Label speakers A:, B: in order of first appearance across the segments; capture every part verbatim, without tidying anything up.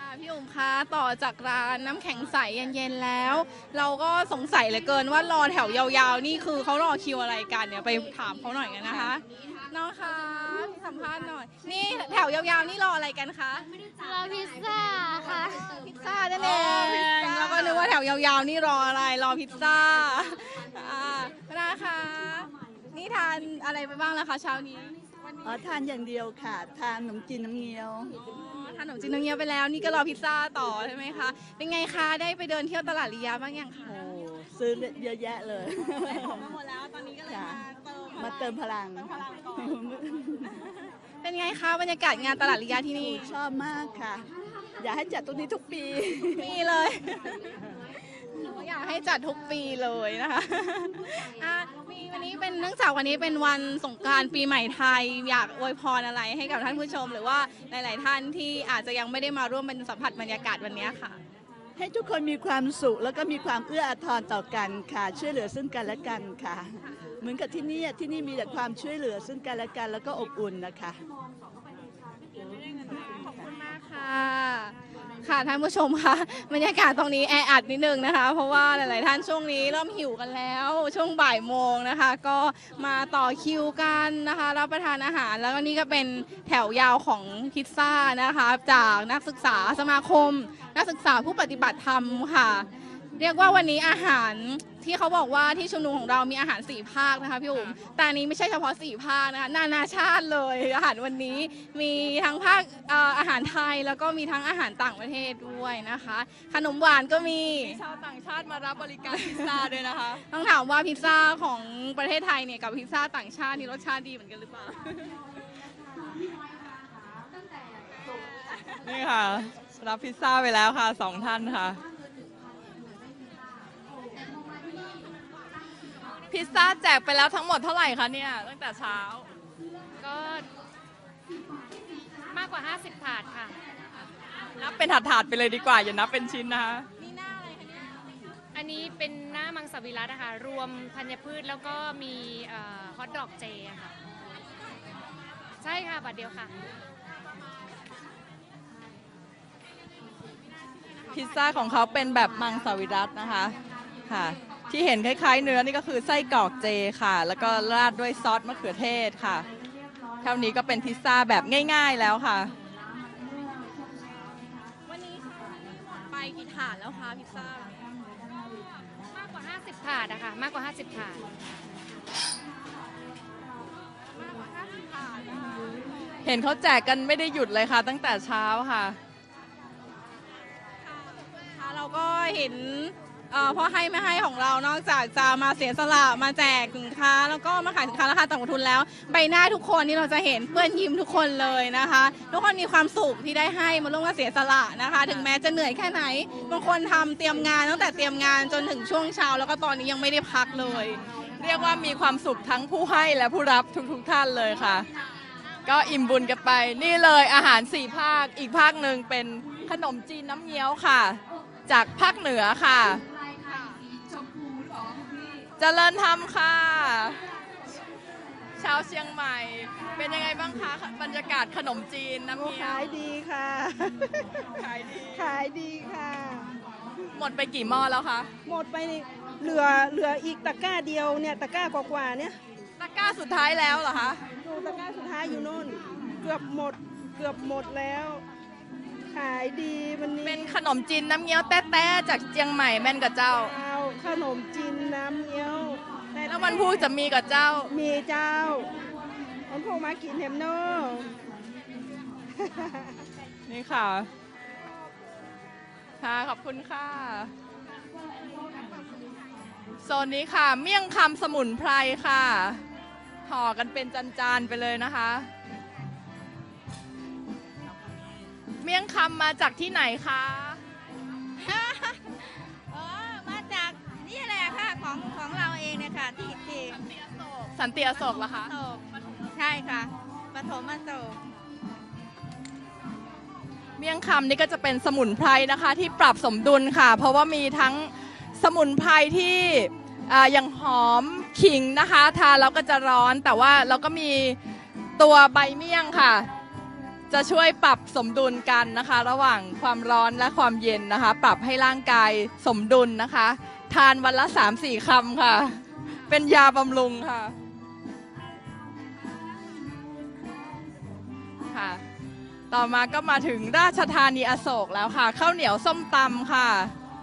A: พี่อุ๋มคะต่อจากร้านน้ำแข็งใสเย็นๆแล้ว เราก็สงสัยเหลือเกินว่ารอแถวยาวๆนี่คือเขารอคิวอะไรกันเนี่ยไปถามเขาหน่อยกันนะคะน้องคะสัมภาษณ์หน่อยนี่แถวยาวๆนี่รออะไรกันคะ
B: รอพิซซ่าค่ะ
A: พิซซ่านั่นเองแล้วก็นึกว่าแถวยาวๆนี่รออะไรรอพิซซ่าอ่านะคะนี่ทานอะไรไปบ้างแล้วคะเช้านี้
C: อ๋อทานอย่างเดียวค่ะ ทานขนมจีนน้ำเงี้ยว
A: ทานขนมจีนน้ำเงี้ยวไปแล้วนี่ก็รอพิซซ่าต่อใช่ไหมคะเป็นไงคะได้ไปเดินเที่ยวตลาดลียาบ้างยังคะ
C: โอ้ซื้อเยอะแยะเลย
A: ได้ของมาหมดแล้วตอนนี้ก็เลย
C: ค่ะ
A: มาเติม
C: มาเติมพลัง
A: พลังก่อนเป็นไงคะบรรยากาศงานตลาดลียาที่นี่
C: ชอบมากค่ะ อยากให้จัดตรงนี้ทุกปี
A: มีเลยอยากให้จัดทุกปีเลยนะคะอ่ะมีวันนี้เป็นเนื่องจากวันนี้เป็นวันสงกรานต์ปีใหม่ไทยอยากอวยพรอะไรให้กับท่านผู้ชม หรือว่าหลาย ๆ ท่านที่อาจจะยังไม่ได้มาร่วมเป็นสัมผัสบรรยากาศวันนี้ค่ะ
C: ให้ทุกคนมีความสุขแล้วก็มีความเอื้ออาทรต่อกันค่ะ ช่วยเหลือซึ่งกันและกันค่ะ เหมือนกับที่นี่ที่นี่มีแต่ความช่วยเหลือซึ่งกันและกันแล้วก็อบอุ่นนะคะ
A: ขอบคุณมากค่ะ ค่ะท่านผู้ชมคะบรรยากาศตรงนี้แออัดนิดนึงนะคะ เพราะว่าหลาย ๆ ท่านช่วงนี้เริ่มหิวกันแล้ว ช่วงบ่ายโมงนะคะ ก็มาต่อคิวกันนะคะ รับประทานอาหารแล้วก็นี่ก็เป็นแถวยาวของพิซซ่านะคะ จากนักศึกษาสมาคม นักศึกษาผู้ปฏิบัติธรรมค่ะ เรียกว่าวันนี้อาหารที่เขาบอกว่าที่ชุมนุมของเรามีอาหารสี่ภาคนะคะพี่อุ๋มแต่อันนี้ไม่ใช่เฉพาะสี่ภาคนะคะนานาชาติเลยอาหารวันนี้มีทั้งภาคเอ่ออาหารไทยแล้วก็มีทั้งอาหารต่างประเทศด้วยนะคะ ขนมหวานก็มี
D: ชาวต่างชาติมารับบริการพิซซ่าด้วยนะคะ
A: ต้องถามว่าพิซซ่าของประเทศไทยเนี่ยกับพิซซ่าต่างชาตินี่รสชาติดีเหมือนกันหรือเปล่า
D: นี่ค่ะ รับพิซซ่าไปแล้วค่ะสองท่านค่ะ พิซซ่าแจกไปแล้วทั้งหมดเท่าไหร่คะเนี่ยตั้งแต่เช้า
B: ก็มากกว่า ห้าสิบ ถาดค่ะ
D: นับเป็นถาดๆไปเลยดีกว่า อย่านับเป็นชิ้นนะคะ
A: นี่หน้าอะไรคะเนี่ย
B: อันนี้เป็นหน้ามังสวิรัตินะคะ รวมธัญพืชแล้วก็มีฮอทดอกเจอะค่ะ ใช่ค่ะ บัตรเดียวค่ะ
D: พิซซ่าของเขาเป็นแบบมังสวิรัตินะคะค่ะ ที่เห็นคล้ายๆเนื้อนี่ก็คือไส้กรอกเจค่ะ แล้วก็ราดด้วยซอสมะเขือเทศค่ะ เท่านี้ก็เป็นพิซซ่าแบบง่ายๆแล้วค่ะ
A: วันนี้ค่ะหมดไปกี่ถาดแล้วคะพิซซ่าม
B: ากกว่า ห้าสิบ ถาดอะค่ะ มากกว่า ห้าสิบ ถาด
A: มากกว่าห้าสิบถาดนะคะ
D: เห็นเขาแจกกันไม่ได้หยุดเลยค่ะ ตั้งแต่เช้าค่ะ
A: ค่ะเราก็เห็นเอ่อพ่อให้ไม่ให้ของเรานอกจากจะมาเสียสละมาแจกสินค้า แล้วก็มาขายสินค้าราคาต่ำทุนแล้ว ใบหน้าทุกคนที่เราจะเห็นเปื้อนยิ้มทุกคนเลยนะคะ ทุกคนมีความสุขที่ได้ให้มาร่วมกันเสียสละนะคะ ถึงแม้จะเหนื่อยแค่ไหนบางคนทำเตรียมงานตั้งแต่เตรียมงานจนถึงช่วงเช้า แล้วก็ตอนนี้ยังไม่ได้พักเลย
D: เรียกว่ามีความสุขทั้งผู้ให้และผู้รับทุกๆท่านเลยค่ะ ก็อิ่มบุญกันไปนี่เลยอาหารสี่ภาคอีกภาคหนึ่งเป็นขนมจีนน้ำเงี้ยวค่ะ จากภาคเหนือค่ะเจริญธรรมค่ะชาวเชียงใหม่ เป็นยังไงบ้างคะบรรยากาศขนมจีนน้ำเงี้ยว
C: ขายดีค่ะ
D: ขายดี
C: ขายดีค่ะ
D: หมดไปกี่หม้อแล้วคะ
C: หมดไปนี่เหลือเหลืออีกตะกร้าเดียวเนี่ยตะกร้ากว่าๆเนี่ย
D: ตะกร้าสุดท้ายแล้วเหรอคะ
C: ดูตะกร้าสุดท้ายอยู่นู่น เกือบหมดเกือบหมดแล้ว ขายดีวันนี้
D: เป็นขนมจีนน้ำเงี้ยวแต้ๆจากเชียงใหม่แม่นกับเจ้า
C: เอาขนมจีนน้ำเงี้ยวต่
D: แล้ววันพูดจะมีกับเจ้า
C: มีเจ้ามันพวกมากินเฮมโน่
D: นี่ค่ะ ค่ะ ขอบคุณค่ะ โซนนี้ค่ะ เมี่ยงคำสมุนไพรค่ะ ห่อกันเป็นจานๆไปเลยนะคะ เมี่ยงคำมาจากที่ไหนคะ
E: อ๋อมาจากนี่แหละค่ะของของเราเองเนี่ยค่ะที่ที่
D: สันติอโศกเหรอคะ
E: โศกใช่ค่ะปฐมอโศก
D: เมี่ยงคำนี่ก็จะเป็นสมุนไพรนะคะที่ปรับสมดุลค่ะ เพราะว่ามีทั้งสมุนไพรที่อ่าอย่างหอมขิงนะคะทานแล้วก็จะร้อนแต่ว่าเราก็มีตัวใบเมี่ยงค่ะจะช่วยปรับสมดุลกันนะคะ ระหว่างความร้อนและความเย็นนะคะ ปรับให้ร่างกายสมดุลนะคะ ทานวันละ สามสี่ คำค่ะ เป็นยาบำรุงค่ะค่ะ ต่อมาก็มาถึงราชธานีอโศกแล้วค่ะข้าวเหนียวส้มตำค่ะ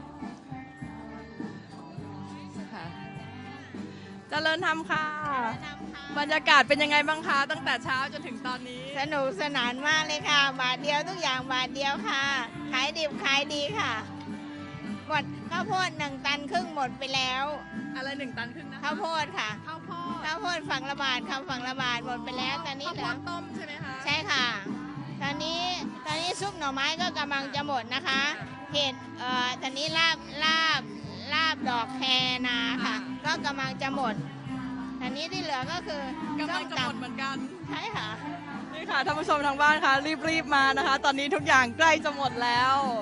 D: ค่ะเจริญธรรมค่ะ บรรยากาศเป็นยังไงบ้างคะตั้งแต่เช้าจนถึงตอนนี้
E: สนุกสนานมากเลยค่ะ บาทเดียวทุกอย่างบาทเดียวค่ะ ขายดิบขายดีค่ะ หมดข้าวโพดหนึ่งตันครึ่งหมดไปแล้ว
D: อะไรหนึ่งตันครึ่งนะคะ
E: ข้าวโพดค่ะ
D: ข้าวโพด
E: ข้าวโพดฝั่งละบาทคำฝั่งละบาทหมดไปแล้วตอนนี้
D: ข้าว
E: เห
D: โพ
E: ลือ
D: ดต้มใช่ไหมคะ
E: ใช่ค่ะ ตอนนี้ตอนนี้ซุปหน่อไม้ก็กำลังจะหมดนะคะเห็ดเอ่อตอนนี้ลาบลาบลาบดอกแคนาค่ะ ก็กำลังจะหมดตอนนี้ที่เหลือก็คือก
D: ำลังจะหมดเหมือนกัน
E: ใช่ค่ะ
D: นี่ค่ะท่านผู้ชมทางบ้านคะรีบๆมานะคะ ตอนนี้ทุกอย่างใกล้จะหมดแล้ว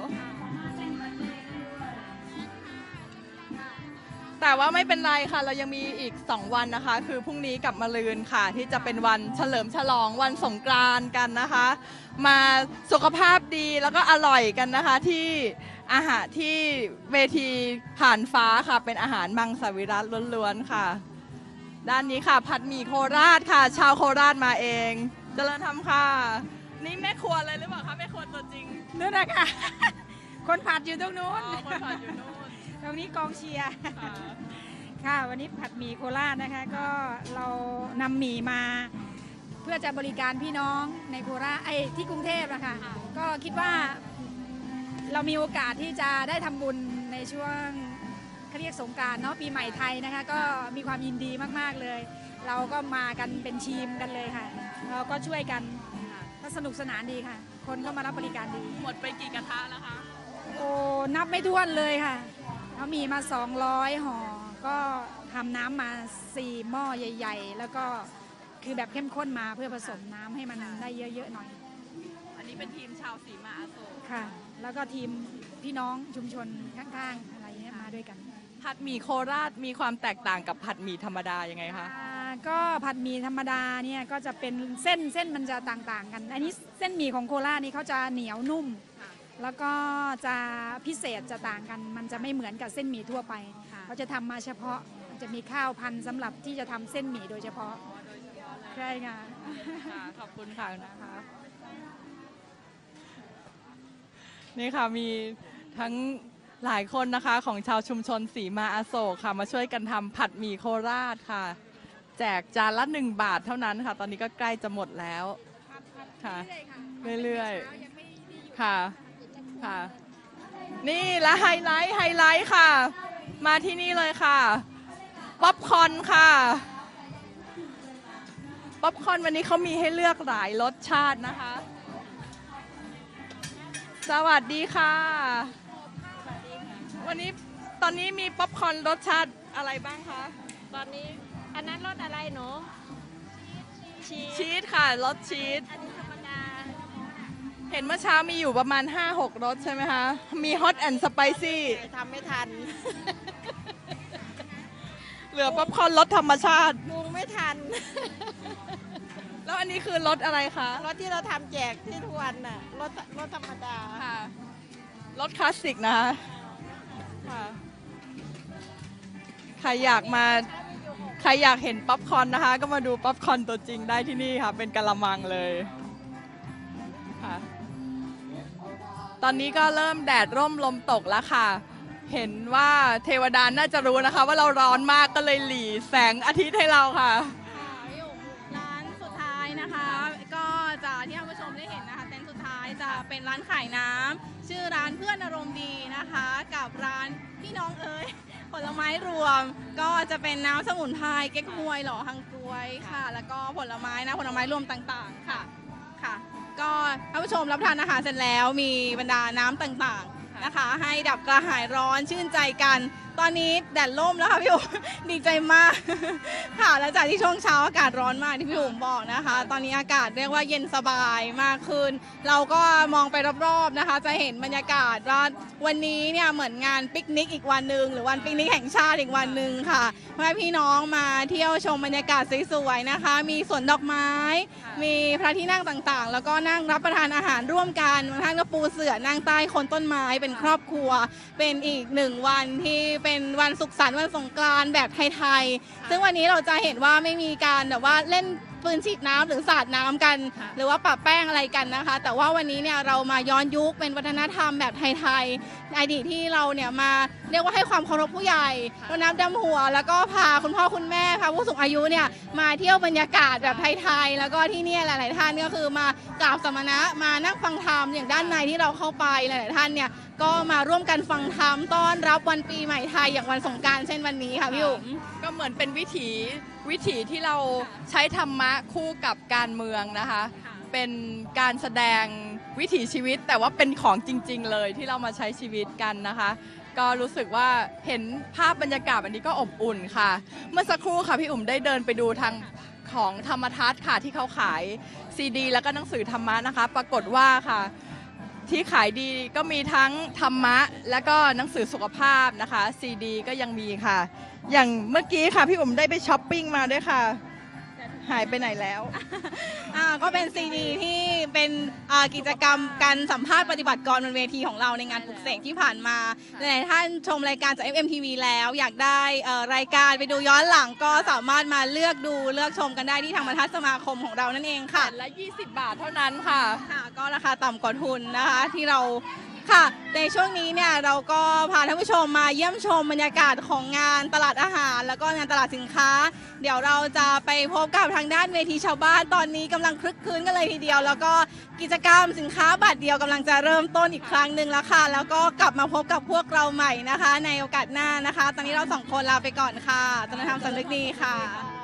D: แต่ว่าไม่เป็นไรค่ะ เรายังมีอีกสองวันนะคะ คือพรุ่งนี้กับมะรืนค่ะ ที่จะเป็นวันเฉลิมฉลองวันสงกรานต์กันนะคะ มาสุขภาพดีแล้วก็อร่อยกันนะคะ ที่อาหารที่เวทีผ่านฟ้าค่ะ เป็นอาหารมังสวิรัติล้วนๆค่ะ ด้านนี้ค่ะ ผัดหมี่โคราชค่ะ ชาวโคราชมาเองเจริญธรรมค่ะ นี่แม่ครัวเลยหรือเปล่าคะแม่ครัวตัวจริง
F: นู่นนะคะ คนผัดอยู่ตรงนู้น
D: อ๋อคนผัดอยู่นู่น
F: ตรงนี้กองเชียร์
D: ค่ะ
F: ค่ะวันนี้ผัดหมี่โคราชนะคะ ก็เรานำหมี่มา เพื่อจะบริการพี่น้องในโคราชไอ้ที่กรุงเทพนะคะ ก็คิดว่าเรามีโอกาสที่จะได้ทำบุญในช่วงเขาเรียกสงกรานต์เนาะปีใหม่ไทยนะคะ ก็มีความยินดีมากๆเลย เราก็มากันเป็นทีมกันเลยค่ะ เราก็ช่วยกันก็สนุกสนานดีค่ะ คนก็มารับบริการดี
D: หมดไปกี่กระทะแล้วคะ
F: โอ้นับไม่ถ้วนเลยค่ะเขามีมาสองร้อยห่อ ก็ทำน้ำมาสี่หม้อใหญ่ ๆ แล้วก็คือแบบเข้มข้นมาเพื่อผสมน้ำให้มันได้เยอะๆหน่อย
D: อันนี้เป็นทีมชาวสีมาอโศก
F: ค่ะ แล้วก็ทีมพี่น้องชุมชนข้างๆอะไรเงี้ยมาด้วยกัน
D: ผัดหมี่โคราชมีความแตกต่างกับผัดหมี่ธรรมดายังไงคะ
F: อ่าก็ผัดหมี่ธรรมดาเนี่ยก็จะเป็นเส้นเส้นมันจะต่างๆกัน อันนี้เส้นหมี่ของโคราชนี่เขาจะเหนียวนุ่ม แล้วก็จะพิเศษจะต่างกัน มันจะไม่เหมือนกับเส้นหมี่ทั่วไป เขาจะทำมาเฉพาะจะมีข้าวพันธุ์สำหรับที่จะทำเส้นหมี่โดยเฉพาะใช่ค่ะ
D: ค่ะขอบคุณค่ะนะคะนี่ค่ะมีทั้งหลายคนนะคะของชาวชุมชนสีมาอโศกค่ะมาช่วยกันทำผัดหมี่โคราชค่ะ แจกจานละหนึ่งบาทเท่านั้นค่ะ ตอนนี้ก็ใกล้จะหมดแล้วค่ะเรื่อยๆค่ะค่ะนี่และไฮไลท์ไฮไลท์ค่ะ มาที่นี่เลยค่ะป๊อปคอร์นค่ะป๊อปคอร์นวันนี้เขามีให้เลือกหลายรสชาตินะคะ สวัสดีค่ะ วันนี้ตอนนี้มีป๊อปคอร์นรสชาติอะไรบ้างคะ
B: ตอนนี้อันนั้นรสอะไรหนูชีส
D: ชีสค่ะรสชีส
B: อันนี้ธรรมดา
D: เห็นเมื่อเช้ามีอยู่ประมาณ ห้าหก รสใช่ไหมคะ มีฮอตแอนด์สไปซี่
E: ทำไม่ทัน
D: เหลือป๊อปคอร์นรสธรรมชาติ
E: ปรุงไม่ทัน
D: แล้วอันนี้คือรสอะไรคะ
E: รถที่เราทำแจกที่ทุกวันน่ะรถรถธรรมดา
D: ค่ะรสคลาสสิกนะคะค่ะใครอยากมาใครอยากเห็นป๊อปคอร์นนะคะ ก็มาดูป๊อปคอร์นตัวจริงได้ที่นี่ค่ะ เป็นกะละมังเลยค่ะตอนนี้ก็เริ่มแดดร่มลมตกแล้วค่ะ เห็นว่าเทวดาน่าจะรู้นะคะ ว่าเราร้อนมากก็เลยหลีแสงอาทิตย์ให้เราค่ะ
A: อยู่ร้านสุดท้ายนะคะ ก็จะที่ท่านผู้ชมได้เห็นนะคะเต็นท์สุดท้ายจะเป็นร้านขายน้ำชื่อร้านเพื่อนอารมณ์ดีนะคะ กับร้านพี่น้องเอ๋ยผลไม้รวม ก็จะเป็นน้ำสมุนไพรเก๊กฮวยหล่อฮังกล้วยค่ะ แล้วก็ผลไม้นะผลไม้รวมต่างๆค่ะค่ะ ก็ท่านผู้ชมรับประทานอาหารเสร็จแล้วมีบรรดาน้ำต่างๆนะคะ ให้ดับกระหายร้อนชื่นใจกันตอนนี้แดดล่มแล้วค่ะพี่อุ๋ม ดีใจมาก ค่ะแล้วจากที่ช่วงเช้าอากาศร้อนมากที่พี่อุ๋มบอกนะคะ ตอนนี้อากาศเรียกว่าเย็นสบายมากขึ้น เราก็มองไปรอบๆนะคะ จะเห็นบรรยากาศว่าวันนี้เนี่ยเหมือนงานปิกนิกอีกวันหนึ่งหรือวันปิกนิกแห่งชาติอีกวันหนึ่งค่ะเพื่อพี่น้องมาเที่ยวชมบรรยากาศสวยๆนะคะ มีสวนดอกไม้ มีพระที่นั่งต่างๆ แล้วก็นั่งรับประทานอาหารร่วมกันบางท่านก็ปูเสื่อนั่งใต้โคนต้นไม้เป็นครอบครัว เป็นอีกหนึ่งวันที่เป็นวันสุขสันต์วันสงกรานต์แบบไทยๆซึ่งวันนี้เราจะเห็นว่าไม่มีการแบบว่าเล่นปืนฉีดน้ำหรือสาดน้ำกัน หรือว่าปะแป้งอะไรกันนะคะ แต่ว่าวันนี้เนี่ยเรามาย้อนยุคเป็นวัฒนธรรมแบบไทยๆอดีตที่เราเนี่ยมาเรียกว่าให้ความเคารพผู้ใหญ่รดน้ำดำหัว แล้วก็พาคุณพ่อคุณแม่พาผู้สูงอายุเนี่ยมาเที่ยวบรรยากาศแบบไทยๆแล้วก็ที่เนี่ยหลายๆท่านก็คือมากราบสมณะมานั่งฟังธรรมอย่างด้านในที่เราเข้าไปหลายๆท่านเนี่ยก็มาร่วมกันฟังธรรมต้อนรับวันปีใหม่ไทยอย่างวันสงกรานต์เช่นวันนี้ค่ะพี่อุ๋ม
D: ก็เหมือนเป็นวิถีวิถีที่เราใช้ธรรมะคู่กับการเมืองนะคะ เป็นการแสดงวิถีชีวิตแต่ว่าเป็นของจริงๆเลยที่เรามาใช้ชีวิตกันนะคะ ก็รู้สึกว่าเห็นภาพบรรยากาศอันนี้ก็อบอุ่นค่ะ เมื่อสักครู่ค่ะพี่อุ๋มได้เดินไปดูทางของธรรมทัศน์ค่ะที่เขาขายซีดีแล้วก็หนังสือธรรมะนะคะ ปรากฏว่าค่ะที่ขายดีก็มีทั้งธรรมะแล้วก็หนังสือสุขภาพนะคะซีดีก็ยังมีค่ะ อย่างเมื่อกี้ค่ะพี่อุ๋มได้ไปช้อปปิ้งมาด้วยค่ะ หายไปไหนแล้ว
A: อ่าก็เป็นซีดีที่เป็นอ่ากิจกรรมการสัมภาษณ์ปฏิบัติกรบนเวทีของเราในงานปลุกเสกที่ผ่านมาหลายๆท่านชมรายการจาก เอฟ เอ็ม ที วี แล้วอยากได้เอ่อรายการไปดูย้อนหลังก็สามารถมาเลือกดูเลือกชมกันได้ที่ทางบรรทัดสมาคมของเรานั่นเองค่ะ
D: แผ่นละยี่สิบบาทเท่านั้นค่ะ
A: ค่ะก็ราคาต่ำกว่าทุนนะคะที่เราค่ะในช่วงนี้เนี่ยเราก็พาท่านผู้ชมมาเยี่ยมชมบรรยากาศของงานตลาดอาหาร แล้วก็งานตลาดสินค้า เดี๋ยวเราจะไปพบกับทางด้านเวทีชาวบ้านตอนนี้กำลังคลึกคลื้นกันเลยทีเดียว แล้วก็กิจกรรมสินค้าบัตรเดียวกำลังจะเริ่มต้นอีกครั้งหนึ่งแล้วค่ะแล้วก็กลับมาพบกับพวกเราใหม่นะคะ ในโอกาสหน้านะคะ ตอนนี้เราสองคนลาไปก่อนค่ะจนธรรมสำนึกดีค่ะ